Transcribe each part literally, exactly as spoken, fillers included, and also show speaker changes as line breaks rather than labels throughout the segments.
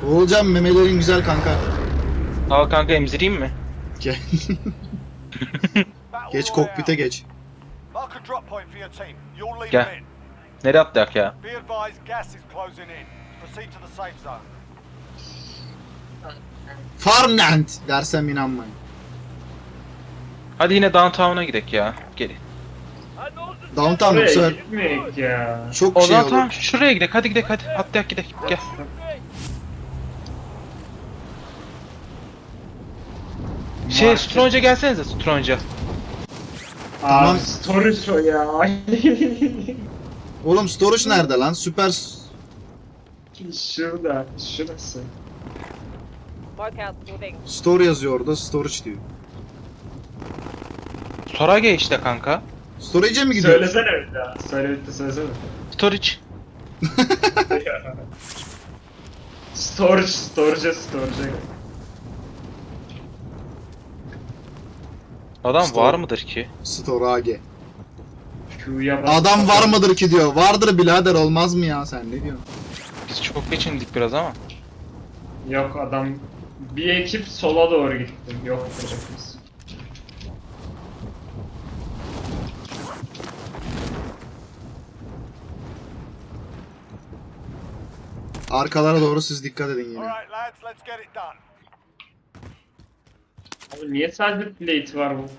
Oğulcan memelerin güzel kanka.
Al kanka, emzireyim mi?
Gel. Geç kokpite geç.
Mark a drop point for your team. You'll lead
Gel.
them in.
Nereye atlayak ya?
Be advised, gas is closing in. Proceed to the safe zone.
Farmland dersem inanmayın.
Hadi yine downtown'a gidek ya. Gelin.
Downtown
Oraya
yoksa
gitmeyek ya.
çok
O
şey
zaman
olur.
tamam, şuraya gidek. Hadi gidek hadi. Atlayak gidek. Gel. Şey,
Market.
Stronge'a gelsenize, Stronge'a.
Tamam.
Abi storage o ya.
Oğlum storage nerede lan? Süper s-
Şurada, şurası.
Mark out moving.
store yazıyor orada. Storage diyor.
Storage işte kanka.
Storage'e mi gidiyoruz?
Söylesene bir daha. Söyle bir de söylesene.
Storage.
Storage, storage, storage.
Adam
Store.
var mıdır ki?
Storage.
Q'ya bas.
Adam var mıdır ki diyor. Vardır birader, olmaz mı ya, sen ne diyorsun?
Biz çok geçindik biraz ama.
Yok adam. Bir ekip sola doğru gitti. Yok biz.
Arkalara doğru siz dikkat edin yine.
Alright, lads, let's get it done.
Abi niye sadece plate var bu?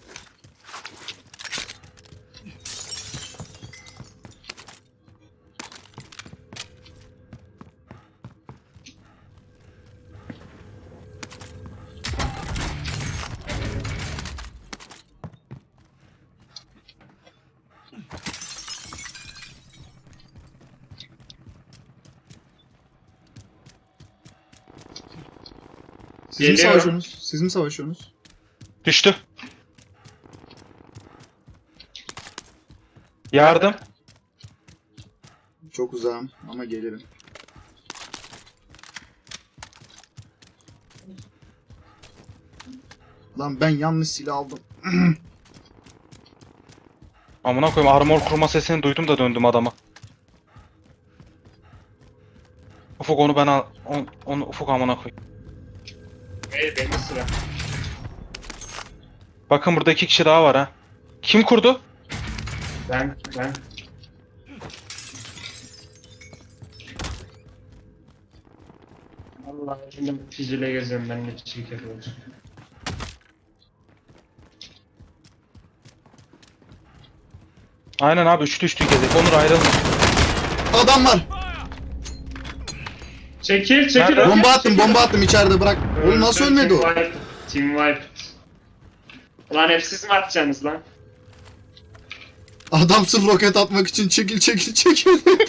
Siz mi
Geliyor.
savaşıyorsunuz? Siz mi savaşıyorsunuz?
Düştü. Yardım.
Çok uzağım ama gelirim. Lan ben yanlış silah aldım.
Amına koyayım, armor kurma sesini duydum da döndüm adama. Ufuk onu ben al. On, onu Ufuk amına koy.
Hey benim sıra.
Bakın burada iki kişi daha var ha. Kim kurdu?
Ben, ben. Allah şimdi fizile geziyorum ben de çiçek yapıyorum.
Aynen abi, üçlü üçlü gezek. Onur ayrılma.
Adam var.
Çekil çekil.
Nerede?
öyle
Bomba
çekil.
attım, bomba attım içeride, bırak. Oğlum nasıl
Öldü,
ölmedi o?
Team wipe. Team wipe. Ulan hep siz mi atacaksınız lan?
Adam sırf roket atmak için çekil çekil çekil.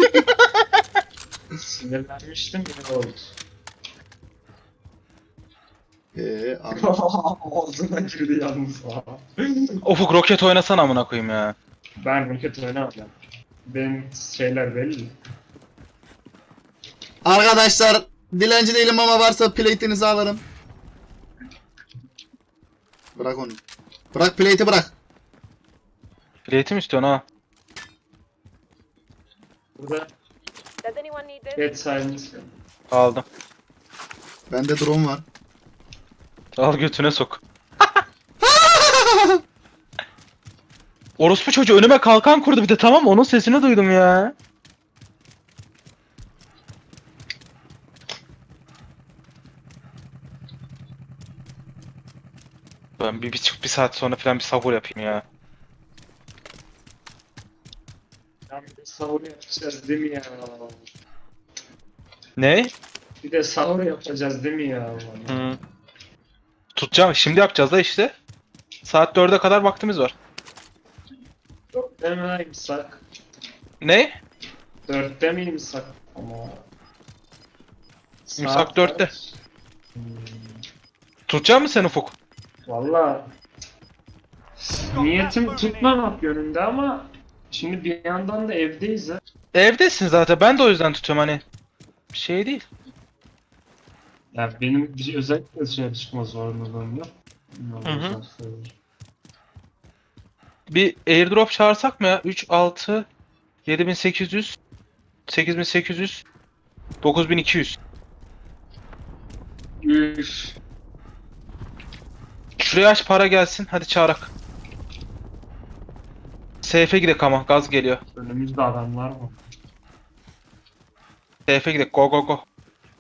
Sinirlenmiştim yine oldu.
Eee abi.
Ağzına girdi yalnız.
Ufuk roket oynasana amına koyayım ya.
Ben roket oynamadım. Benim şeyler belli.
Arkadaşlar dilenci değilim ama varsa plate'inizi alırım. Bırak onu. Bırak plate'i, bırak.
Plate'i mi istiyorsun ha?
Burada
Does anyone need this?
get silence.
Aldım.
Bende drone var.
Al götüne sok. Orospu çocuğu önüme kalkan kurdu bir de, tamam mı? Onun sesini duydum ya. Ben bir, bir, bir saat sonra falan bir sahur yapayım ya.
Ya bir de sahur yapacağız değil mi ya?
Ne?
Bir de sahur yapacağız değil mi ya?
Hı. Tutacağım. Şimdi yapacağız da işte. Saat dörde kadar vaktimiz var.
Dörtte mi imsak?
Ne?
Dörtte mi imsak? Ama...
İmsak
Saat
dörtte.
kaç? Hmm.
Tutacak mısın sen Ufuk?
Valla niyetim tutmamak yönünde ama şimdi bir yandan da evdeyiz ha.
Evdesin zaten. Ben de o yüzden tutuyorum hani. Bir şey değil.
Ya benim bir özellikle dışarı çıkma zorunluluğum yok.
Hı hı. Bir airdrop çağırsak mı ya? üç, altı, yedi bin sekiz yüz, sekiz bin sekiz yüz, dokuz bin iki yüz.
Üf.
Şuraya aç, para gelsin. Hadi çağırak. Seyfe gidek ama gaz geliyor.
Önümüzde adamlar mı?
Seyfe gidek, go go go.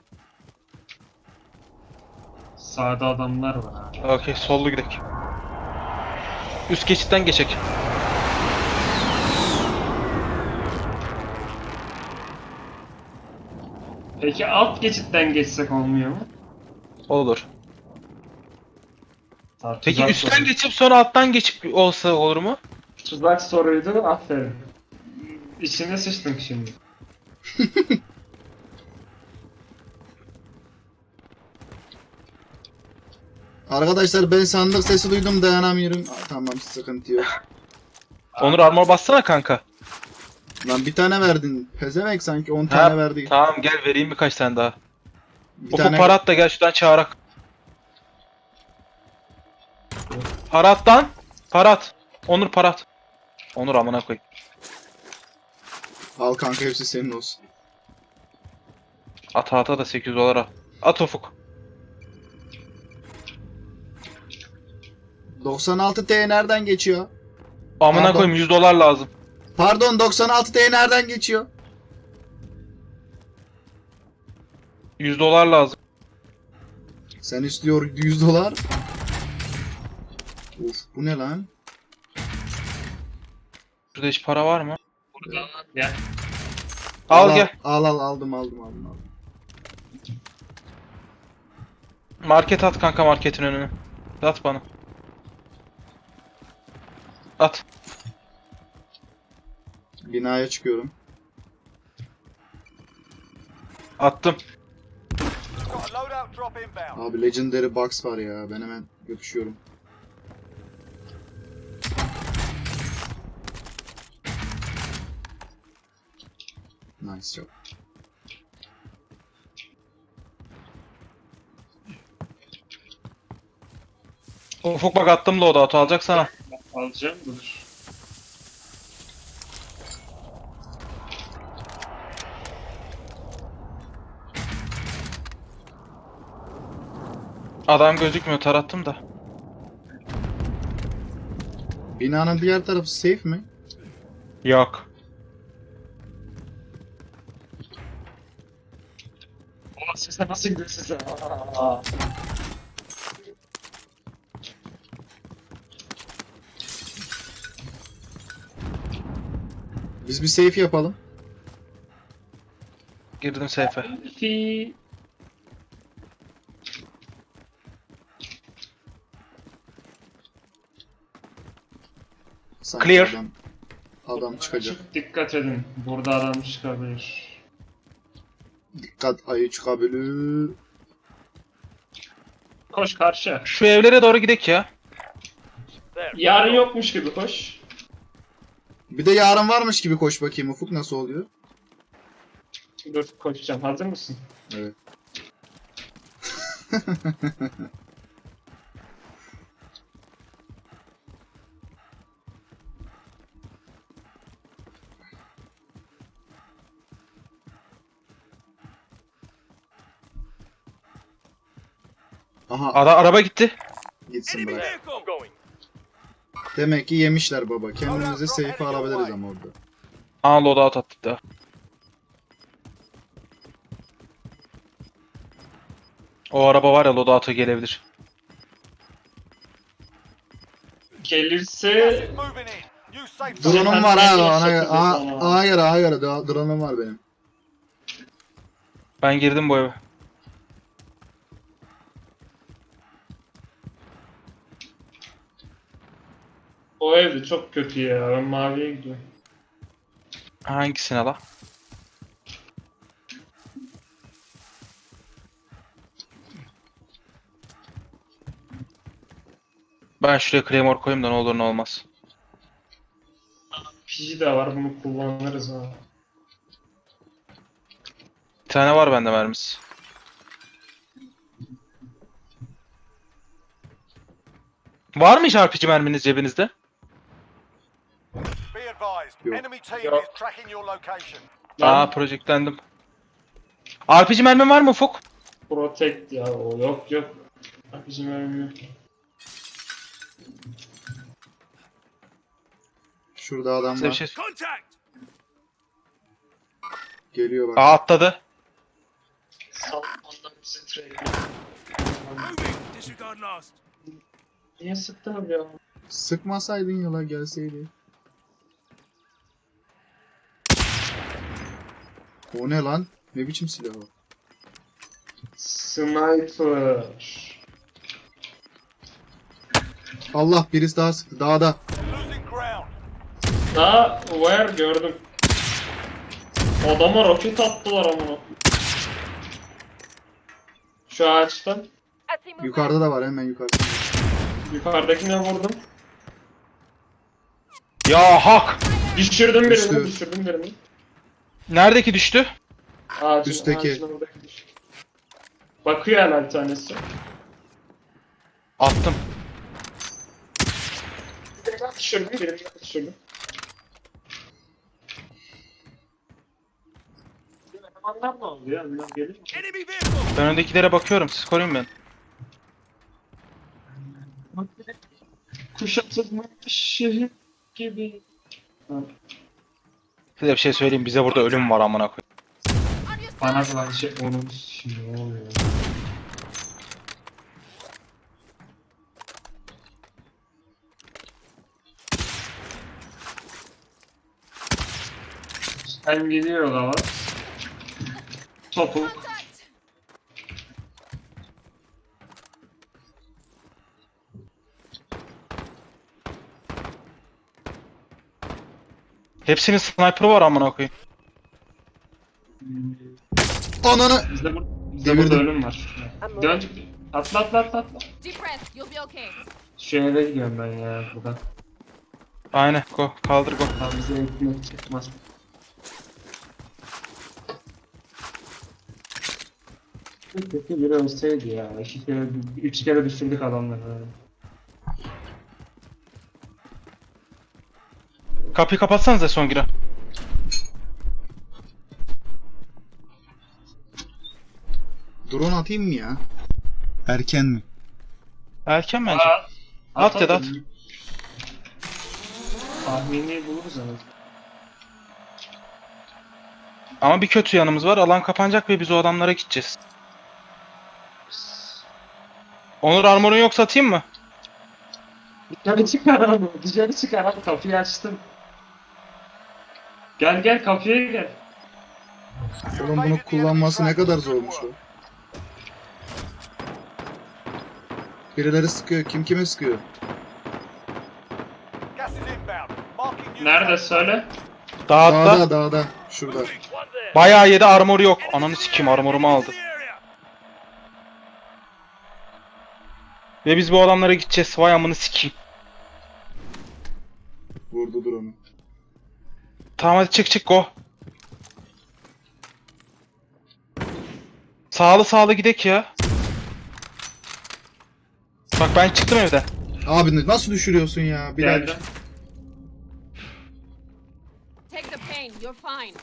Sağda adamlar var.
Okey, sollu gidek. Üst geçitten geçek.
Peki alt geçitten geçsek olmuyor mu?
Olur.
Ha,
Peki
tuzak
üstten
soru.
geçip sonra alttan geçip olsa olur mu?
Tuzak soruydu, aferin. İçine sıçtım şimdi.
Arkadaşlar ben sandık sesi duydum dayanamıyorum. Aa, tamam sıkıntı yok.
Onur armor bassana kanka.
Lan bir tane verdin. Pezevenk sanki on
Ha,
tane verdi.
tamam gel vereyim birkaç tane daha.
Bir
Ufuk
tane
para at da gel şuradan çağırak. Para at lan. Para at. Onur para at. Onur amına koy.
al kanka hepsi senin olsun.
At ata da sekiz yüz dolar al. At Ufuk.
doksan altı T nereden geçiyor?
Amına
Pardon.
koyayım yüz dolar lazım.
Pardon doksan altı T nereden geçiyor?
yüz dolar lazım.
Sen istiyor yüz dolar. Uf bu ne lan?
Şurada hiç para var mı?
Burada gel.
Al gel.
Al al aldım aldım aldım. aldım.
Market at kanka, marketin önüne. At bana. At.
Binaya çıkıyorum.
Attım.
Got a loadout drop inbound.
Abi Legendary Box var ya ben hemen yapışıyorum. Nice job.
Ufuk bak attım loadout'u, alacak sana.
Alacağım dur.
Adam gözükmüyor, tarattım da.
Binanın diğer tarafı safe mi?
Yok.
Ama sese nasıl gidiyor size? Aa.
Biz bir safe yapalım.
Girdim seyfe.
Fi.
Sanki
Clear.
Adam, adam çıkacak.
Çok dikkat edin. Burada adam çıkabilir.
Dikkat ayı çıkabilir.
Koş karşı.
Şu evlere doğru gidek ya.
Yarın yokmuş gibi koş.
Bir de yarın varmış gibi koş bakayım Ufuk nasıl oluyor?
Dur koşacağım. Hazır mısın?
Evet. Aha
Ada araba gitti.
gitsin bırak. Demek ki yemişler baba. Kendimize safe alabiliriz ama orada.
Aa loadout attık da. O araba var ya, loadout'a gelebilir.
Gelirse
Gas is moving in. New safe zone.
Drone'um var ha. Ona,
Şekilde
aha,
sonra.
aha göre aha göre. Dro- Drone'um var benim.
Ben girdim bu eve.
o evde çok kötü ya. Ben maviye gidiyorum.
Hangisine la? Ben şuraya Claymore koyayım da ne olur ne olmaz.
P G de var, bunu kullanırız ha.
Bir tane var bende mermisi. Var mı hiç R P G merminiz cebinizde?
Be advised.
Yok.
Enemy team
Yok.
is tracking your location.
Aa, projektlendim. R P G mermin var mı Ufuk?
Protect ya o yok yok. Bak bizim ölmüyor.
Şurada adam
Size bir
var.
şey...
Geliyor bak.
Aa atladı.
Salmandan bizi trade. Niye sıktın ya?
Sıkmasaydın yola gelseydi. O ne lan? Ne biçim silah o?
Sniper.
Allah, birisi daha sıktı. Dağda.
Losing ground.
Daha where gördüm. Adama roket attılar ama. Şu ağaçtan.
I see movement.
Yukarıda da var, hemen yukarıda.
Yukarıdakine vurdum.
Ya hak!
Düşürdüm birini,
Düştü.
düşürdüm birini.
Neredeki düştü?
Ağacın,
Üstteki.
ağacın oradaki düştü. Bakıyor hala bir tanesi.
Attım.
Birini daha düşürdüm, birini daha düşürdüm. Elemanlar ne oldu ya? Onlar gelir mi?
Ben öndekilere bakıyorum. Siz koruyun beni.
Kuşatılmış şehir gibi. Ha.
Size bir şey söyleyeyim. Bize burada ölüm var amına koyayım.
Bana da aynı şey onun şimdi ne oluyor? Sen gidiyor ama. Topuk.
Hepsinin sniper'ı var amına koyayım.
Ananı!
Bizde, bur bizde burada
Devirdim.
ölüm var. Dön. Atla atla atla atla.
Deep breath, you'll be okay.
Şu eve gidiyorum ben ya buradan.
Aynen. Go. Kaldır go.
Tam bize ekmek çıkmaz. Peki biri ölseydi ya. İki kere, üç kere düşürdük adamları.
Kapıyı kapatsanıza son giren.
Drone atayım mı ya? Erken mi?
Erken bence.
At,
At ya da at.
Tahmini buluruz ama.
Ama bir kötü yanımız var. Alan kapanacak ve biz o adamlara gideceğiz. Onur armorun yoksa atayım mı?
Dışarı çıkar abi. Dışarı çıkar abi. Kapıyı açtım. Gel gel kapıya gel.
Oğlum bunu kullanması ne kadar zormuş o. Birileri sıkıyor. Kim kime sıkıyor?
Gas is inbound. Marking new
Nerede
safe
söyle?
Dağıtta.
Dağda, dağda. Şurada.
Bayağı yedi, armoru yok. Ananı sikeyim, armorumu aldı. Ve biz bu adamlara gideceğiz. Vay amını sikeyim.
Vurdu drone'u.
Tamam hadi çık çık go. Sağlı sağlı gidek ya. Bak ben çıktım evden.
Abi nasıl düşürüyorsun ya? Bir daha
Geldim.
Take the pain, you're fine.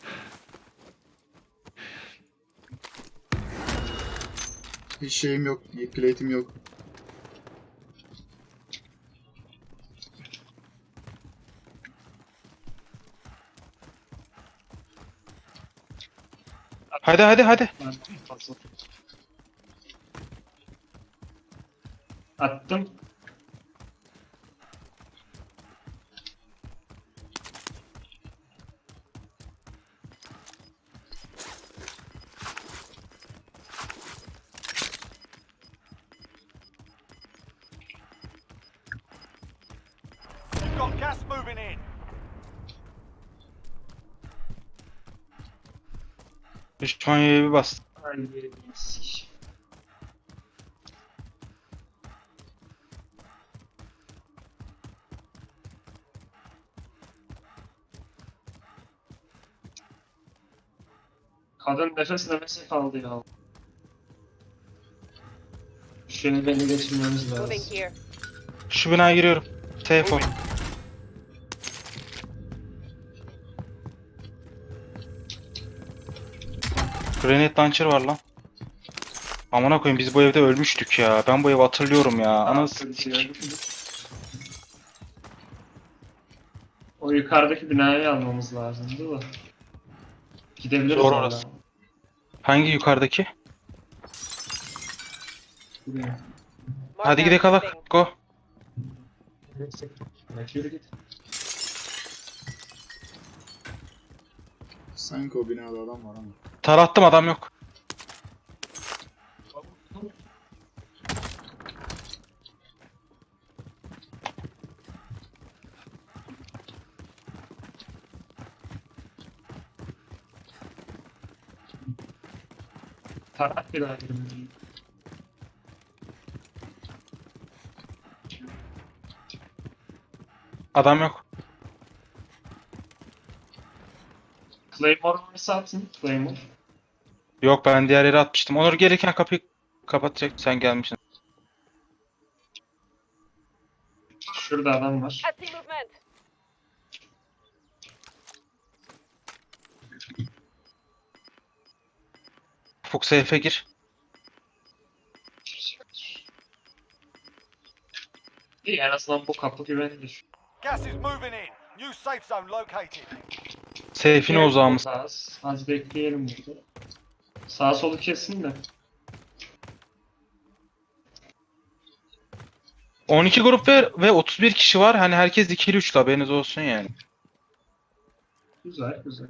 hiç şeyim yok. Plate'im yok.
Hadi hadi hadi.
Attım.
You've got gas moving in.
Düşman yere bir bastı.
Ay, sik. Kadın nefes nefese kaldı ya. Şunu beni geçirmemiz lazım.
Moving here.
Şu binaya giriyorum. Safe ol. Grenade launcher var lan. Amına koyayım biz bu evde ölmüştük ya. Ben bu evi hatırlıyorum ya. Anasını sikeyim.
O yukarıdaki binayı almamız lazım değil mi? Gidebiliriz
Zor
hala.
orası. Hangi yukarıdaki?
Bilmiyorum.
Mark
Hadi
out
gidelim
moving.
kalak. Go.
Yürü git.
Sanki o binada adam var ama.
Tarattım adam yok.
Tarak bir daha girmedim.
Adam yok.
Claymore varsa atın. Claymore.
Yok ben diğer yere atmıştım. Onur gelirken kapıyı kapatacak. Sen gelmişsin.
Şurada adam var.
I see movement.
Ufuk seyfe gir.
İyi en azından bu kapı güvenilir.
Gas is moving in. New safe zone located.
Seyfine uzağımız.
Sağ, az bekleyelim burada. Sağ solu kesin de.
on iki grup ve, ve otuz bir kişi var. Hani herkes ikili üçlü haberiniz olsun yani.
Güzel güzel.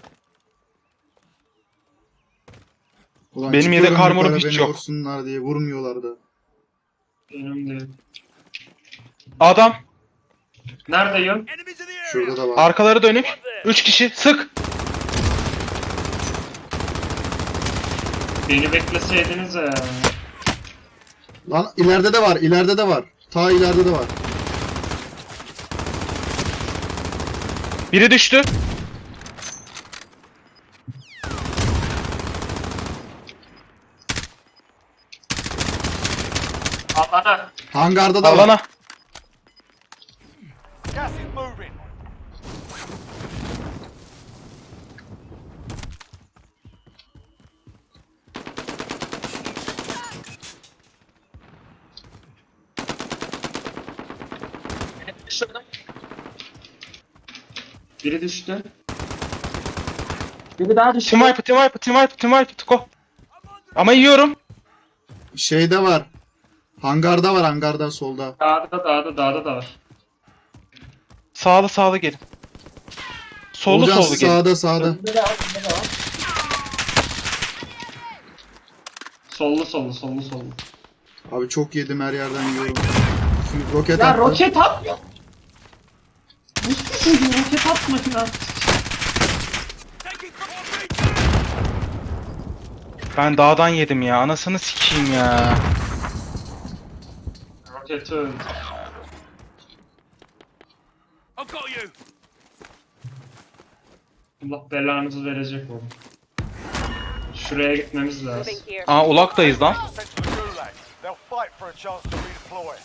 Ulan
Benim
çıkıyorum
yedek armorum
yukarı,
hiç
beni
yok.
vursunlar diye vurmuyorlar da.
Benim de.
Adam.
Nerede yön?
Şurada da var.
Arkaları dönük. üç kişi. Sık.
Beni bekleseydiniz ya.
Lan ileride de var, ileride de var. Ta ileride de var.
Biri düştü.
Alana.
Hangarda da var.
Alana.
Gas is moving.
Biri düştü. Biri daha düştü.
Team wipe, team wipe, team wipe, team wipe. Go. Ama yiyorum.
Şeyde var. Hangarda var, hangarda solda.
Dağda dağda dağda da var.
Sağlı sağlı gelin. Sollu
Olcan
sollu gelin.
sağda sağda.
Sollu sollu sollu sollu.
Abi çok yedim, her yerden yiyorum. Şimdi roket
Ya
attı.
roket atmıyor. Hiçbir şey roket atma ya.
Ben dağdan yedim ya. Anasını sikeyim ya.
Roketi öldü. Allah belanızı verecek oğlum. Şuraya gitmemiz lazım.
Moving here.
Aa ulaktayız lan.
Sent to the gulag. They'll fight for a chance to redeploy.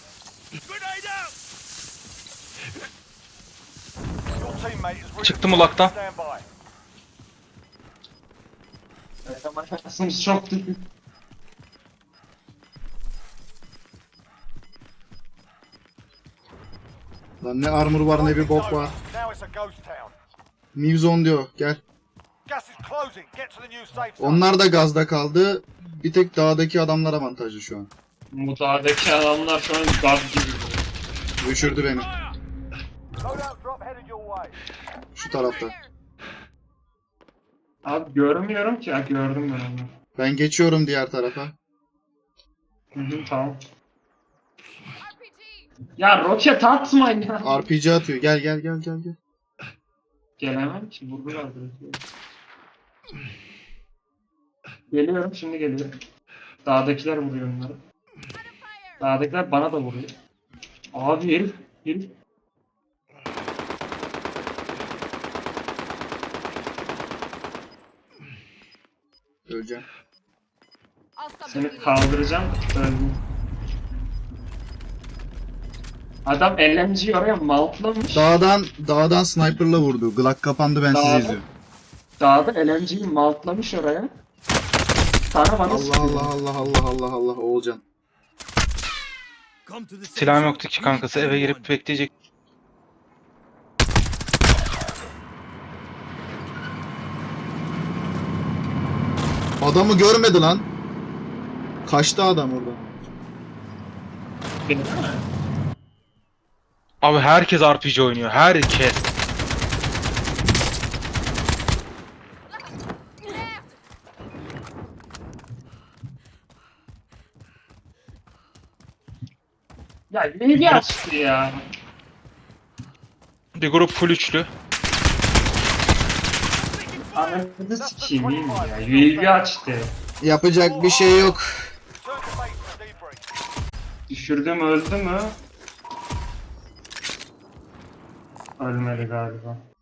Your teammate is redeployed.
Çıktım ulaktan.
Stand by.
Şansımız çok düşük.
Lan ne armor var ne bir bok var.
Now it's a ghost town.
New zone diyor, gel.
Gas is closing. Get to the new safe zone.
Onlar da gazda kaldı. Bir tek dağdaki adamlar avantajlı şu an.
Bu dağdaki adamlar şu an gaz gibi.
Düşürdü beni.
Loadout drop headed your way.
Şu tarafta.
Abi görmüyorum ki. Ha gördüm ben onu.
Ben geçiyorum diğer tarafa.
Hı hı tamam. Ya roket atmayın ya.
R P G atıyor. Gel gel gel gel gel.
Gelemem ki vurdular direkt. Geliyorum şimdi geliyorum. Dağdakiler vuruyor onları. Dağdakiler bana da vuruyor. Abi herif, herif.
Öleceğim.
I'll stop the
Seni
bleeding.
kaldıracağım. Öldüm. Adam L M G'yi oraya maltlamış.
Dağdan dağdan sniper'la vurdu. Glock kapandı, ben sizi
Dağda-
izliyorum.
Dağda L M G'yi maltlamış oraya. Sana bana
Allah
sıkıyor.
Allah Allah Allah Allah Allah Oğulcan.
Silahım yoktu ki kankası, eve girip bekleyecek.
Adamı görmedi lan. Kaçtı adam orada.
Abi herkes R P G oynuyor, herkes.
Ya neydi açtı ya?
Bir grup full üçlü.
Anasını sikeyim iyi mi ya? U A V açtı.
Yapacak bir şey yok.
Return to base for debrief.
Düşürdüm öldü mü? Ölmedi galiba.